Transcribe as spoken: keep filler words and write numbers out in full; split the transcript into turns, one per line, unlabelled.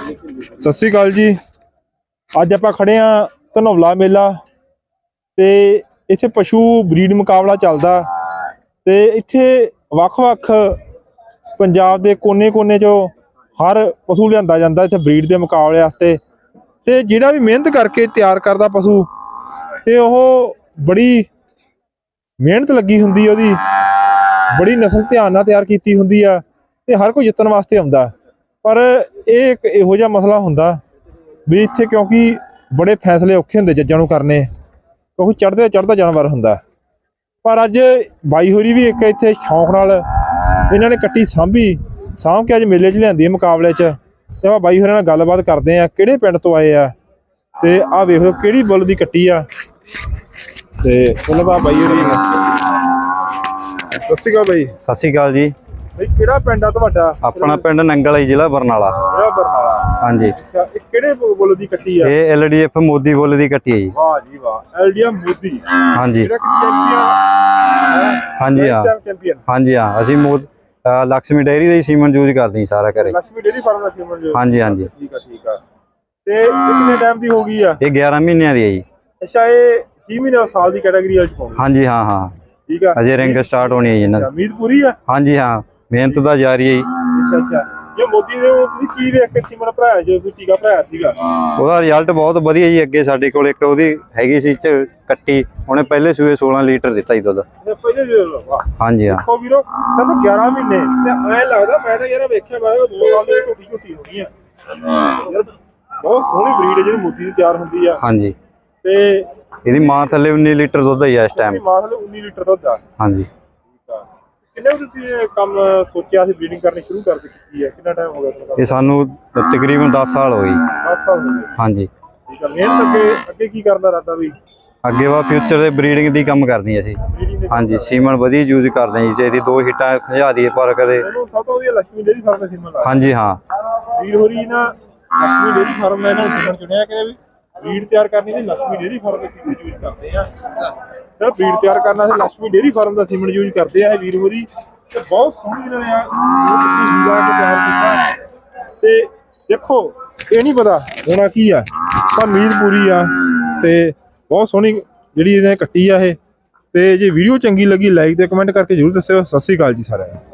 ਸਤਿ ਸ਼੍ਰੀ ਅਕਾਲ ਜੀ। ਅੱਜ ਆਪਾਂ ਖੜੇ ਆ ਧਨੌਲਾ ਮੇਲਾ ਤੇ ਇੱਥੇ ਪਸ਼ੂ ਬਰੀਡ ਮੁਕਾਬਲਾ ਚੱਲਦਾ ਤੇ ਇੱਥੇ ਵੱਖ-ਵੱਖ ਪੰਜਾਬ ਦੇ ਕੋਨੇ-ਕੋਨੇ ਚੋਂ ਹਰ ਪਸ਼ੂ ਲਿਆਂਦਾ ਜਾਂਦਾ ਇੱਥੇ ਬਰੀਡ ਦੇ ਮੁਕਾਬਲੇ ਵਾਸਤੇ। ਤੇ ਜਿਹੜਾ ਵੀ ਮਿਹਨਤ ਕਰਕੇ ਤਿਆਰ ਕਰਦਾ ਪਸ਼ੂ ਤੇ ਉਹ ਬੜੀ ਮਿਹਨਤ ਲੱਗੀ ਹੁੰਦੀ ਹੈ, ਉਹਦੀ ਬੜੀ ਨਸਲ ਧਿਆਨ ਨਾਲ ਤਿਆਰ ਕੀਤੀ ਹੁੰਦੀ ਆ ਤੇ ਹਰ ਕੋਈ ਜਿੱਤਣ ਵਾਸਤੇ ਆਉਂਦਾ। ਪਰ ਇਹ ਇੱਕ ਇਹੋ ਜਿਹਾ ਮਸਲਾ ਹੁੰਦਾ ਵੀ ਇੱਥੇ ਕਿਉਂਕਿ ਬੜੇ ਫੈਸਲੇ ਔਖੇ ਹੁੰਦੇ ਜੱਜਾਂ ਨੂੰ ਕਰਨੇ, ਕਿਉਂਕਿ ਚੜ੍ਹਦੇ ਚੜ੍ਹਦਾ ਜਾਨਵਰ ਹੁੰਦਾ। ਪਰ ਅੱਜ ਬਾਈ ਹੋਰੀ ਵੀ ਇੱਕ ਇੱਥੇ ਸ਼ੌਂਕ ਨਾਲ ਇਹਨਾਂ ਨੇ ਕੱਟੀ ਸਾਂਭੀ ਸਾਂਭ ਕੇ ਅੱਜ ਮੇਲੇ 'ਚ ਲਿਆਂਦੀ ਹੈ ਮੁਕਾਬਲੇ 'ਚ। ਤੇ ਆਪਾਂ ਬਾਈ ਹੋਰਾਂ ਨਾਲ ਗੱਲਬਾਤ ਕਰਦੇ ਆ ਕਿਹੜੇ ਪਿੰਡ ਤੋਂ ਆਏ ਆ ਤੇ ਆਹ ਵੇਖੋ ਕਿਹੜੀ ਬੁੱਲ ਦੀ ਕੱਟੀ ਆ। ਤੇ ਚਲੋ ਬਾ ਬਾਈ ਹੋਰੀ ਸਤਿ ਸ਼੍ਰੀ ਅਕਾਲ ਬਾਈ।
ਸਤਿ ਸ਼੍ਰੀ ਅਕਾਲ ਜੀ।
ਬਈ ਕਿਹੜਾ ਪਿੰਡ ਆ ਤੁਹਾਡਾ?
ਆਪਣਾ ਪਿੰਡ ਨੰਗਲ ਹੈ, ਜ਼ਿਲ੍ਹਾ ਬਰਨਾਲਾ।
ਜ਼ਿਲ੍ਹਾ ਬਰਨਾਲਾ, ਹਾਂਜੀ। ਅੱਛਾ, ਇਹ ਕਿਹੜੇ ਬੁੱਲ ਦੀ ਕੱਟੀ ਆ? ਇਹ
L D F Modi bull ਦੀ ਕੱਟੀ ਹੈ ਜੀ।
ਵਾਹ ਜੀ ਵਾਹ, ਐਲ ਡੀ ਐਫ ਮੋਦੀ।
ਹਾਂਜੀ
ਜਿਹੜਾ ਚੈਂਪੀਅਨ।
ਹਾਂਜੀ ਹਾਂ, ਹਾਂਜੀ ਹਾਂ। ਅਸੀਂ ਮੋਦ ਲక్ష్ਮੀ ਡੇਅਰੀ ਦਾ ਹੀ ਸੀਮਨ ਯੂਜ਼ ਕਰਦੇ ਹਾਂ ਸਾਰਾ ਘਰੇ।
ਲక్ష్ਮੀ ਡੇਅਰੀ ਫਾਰਮ ਦਾ ਸੀਮਨ ਯੂਜ਼? ਹਾਂਜੀ
ਹਾਂਜੀ।
ਠੀਕ ਆ ਠੀਕ ਆ। ਤੇ ਇਹ ਕਿੰਨੇ ਟਾਈਮ ਦੀ ਹੋ ਗਈ ਆ?
ਇਹ ਗਿਆਰਾਂ ਮਹੀਨਿਆਂ ਦੀ ਹੈ ਜੀ।
ਅੱਛਾ, ਇਹ ਛੇ ਮਹੀਨੇ ਸਾਲ ਦੀ ਕੈਟਾਗਰੀ ਵਾਲੀ ਪਾਉਂਦੀ?
ਹਾਂਜੀ ਹਾਂ ਹਾਂ,
ਠੀਕ ਆ।
ਅਜੇ ਰਿੰਗ ਸਟਾਰਟ ਹੋਣੀ ਹੈ ਜੀ ਇਹਨਾਂ ਦੀ।
ਉਮੀਦ ਪੂਰੀ ਆ? ਹਾਂਜੀ
ਹਾਂ, ਮਿਹਨਤ ਦਾ ਜਾਰੀ ਹੈ ਜੀ।
ਅੱਛਾ ਅੱਛਾ। ਜੇ ਮੋਦੀ ਦੇ ਤੁਸੀਂ ਕੀ ਵੇਖ ਕੇ ਸੀਮਨ ਭਰਾਇਆ, ਜੋ ਤੁਸੀਂ ਟੀਕਾ ਭਰਾਇਆ ਸੀਗਾ?
ਉਹਦਾ ਰਿਜ਼ਲਟ ਬਹੁਤ ਵਧੀਆ ਜੀ। ਅੱਗੇ ਸਾਡੇ ਕੋਲ ਇੱਕ ਉਹਦੀ ਹੈਗੀ ਸੀ ਚ ਕੱਟੀ, ਉਹਨੇ ਪਹਿਲੇ ਸੂਏ ਸੋਲਾਂ ਲੀਟਰ ਦਿੱਤਾ ਜੀ ਦੁੱਧ।
ਪਹਿਲੇ?
ਹਾਂਜੀ ਹਾਂ।
ਦੇਖੋ ਵੀਰੋ, ਸਾਨੂੰ ਗਿਆਰਾਂ ਮਹੀਨੇ ਤੇ ਐਂ ਲੱਗਦਾ ਮੈਂ ਤਾਂ ਯਾਰ ਵੇਖਿਆ ਮੈਂ ਦੋ ਸਾਲ ਦੀ ਝੋਟੀ ਝੋਟੀ ਹੋਣੀ ਆ ਯਾਰ। ਬਹੁਤ ਸੋਹਣੀ ਬਰੀਡ ਹੈ ਜਿਹੜੀ ਮੋਦੀ ਦੀ ਤਿਆਰ ਹੁੰਦੀ ਆ। ਹਾਂਜੀ। ਤੇ
ਇਹਦੀ ਮਾਂ ਥੱਲੇ ਉੱਨੀ ਲੀਟਰ ਦੁੱਧ ਹੈ ਇਸ ਟਾਈਮ।
ਮਾਂ ਥੱਲੇ ਉੱਨੀ ਲੀਟਰ ਦੁੱਧ ਆ? ਹਾਂਜੀ। ਕਿੰਨੇ ਵਜੇ ਤੁਸੀਂ ਇਹ ਕੰਮ ਸੋਚਿਆ ਸੀ, ਬਰੀਡਿੰਗ ਕਰਨੀ ਸ਼ੁਰੂ ਕਰ ਦਿੱਤੀ ਹੈ? ਕਿੰਨਾ ਟਾਈਮ ਹੋ ਗਿਆ ਤੁਹਾਨੂੰ? ਇਹ
ਸਾਨੂੰ ਤਕਰੀਬਨ ਦਸ ਸਾਲ ਹੋ ਗਏ।
ਦਸ ਸਾਲ ਹੋ ਗਏ? ਹਾਂਜੀ। ਠੀਕ ਆ। ਮਿਹਨਤ ਅੱਗੇ ਅੱਗੇ ਕੀ ਕਰਨ ਦਾ ਇਰਾਦਾ ਵੀ? ਅੱਗੇ
ਵਾ ਫਿਊਚਰ ਦੇ ਬਰੀਡਿੰਗ ਦੀ ਕੰਮ ਕਰਨੀ ਅਸੀਂ। ਹਾਂਜੀ, ਸੀਮਨ ਵਧੀਆ ਯੂਜ਼ ਕਰਦੇ ਹਾਂ ਜੀ। ਇਹਦੀ ਦੋ ਹਿੱਟਾਂ ਖਿਜਾ ਦਈਏ ਪਰ ਕਦੇ।
ਸਭ ਤੋਂ ਵਧੀਆ ਲక్ష్ਮੀ ਡੇਅਰੀ ਫਾਰਮ ਦਾ ਸੀਮਨ ਲਾ?
ਹਾਂਜੀ ਹਾਂ।
ਵੀਰ ਹੋਰੀ ਨਾ ਲక్ష్ਮੀ ਡੇਅਰੀ ਫਾਰਮ ਦਾ ਇਹਨਾਂ ਨੂੰ ਸੀਮਨ ਚੁਣਿਆ ਕਿ ਵੀ ਬਰੀਡ ਤਿਆਰ ਕਰਨੀ ਤੇ ਲక్ష్ਮੀ ਡੇਅਰੀ ਫਾਰਮ ਦਾ ਸੀਮਨ ਯੂਜ਼ ਕਰਦੇ ਆ। ਸਰ ਬਰੀਡ ਤਿਆਰ ਕਰਨਾ ਤੇ ਲక్ష్ਮੀ ਡੇਅਰੀ ਫਾਰਮ ਦਾ ਸੀਮਨ ਯੂਜ਼ ਕਰਦੇ ਆ ਇਹ ਵੀਰ ਹੋਰੀ। ਤੇ ਬਹੁਤ ਸੋਹਣੀ ਇਹਨਾਂ ਨੇ ਆ ਹੀਰਾ ਕੇ ਤਿਆਰ ਕੀਤਾ। ਤੇ ਦੇਖੋ ਇਹ ਨਹੀਂ ਪਤਾ ਹੋਣਾ ਕੀ ਆ, ਪਰ ਉਮੀਦ ਪੂਰੀ ਆ। ਤੇ ਬਹੁਤ ਸੋਹਣੀ ਜਿਹੜੀ ਇਹਨੇ ਕੱਟੀ ਆ ਇਹ। ਤੇ ਜੇ ਵੀਡੀਓ ਚੰਗੀ ਲੱਗੀ ਲਾਈਕ ਤੇ ਕਮੈਂਟ ਕਰਕੇ ਜ਼ਰੂਰ ਦੱਸਿਓ। ਸਤਿ ਸ਼੍ਰੀ ਅਕਾਲ ਜੀ ਸਾਰਿਆਂ ਨੂੰ।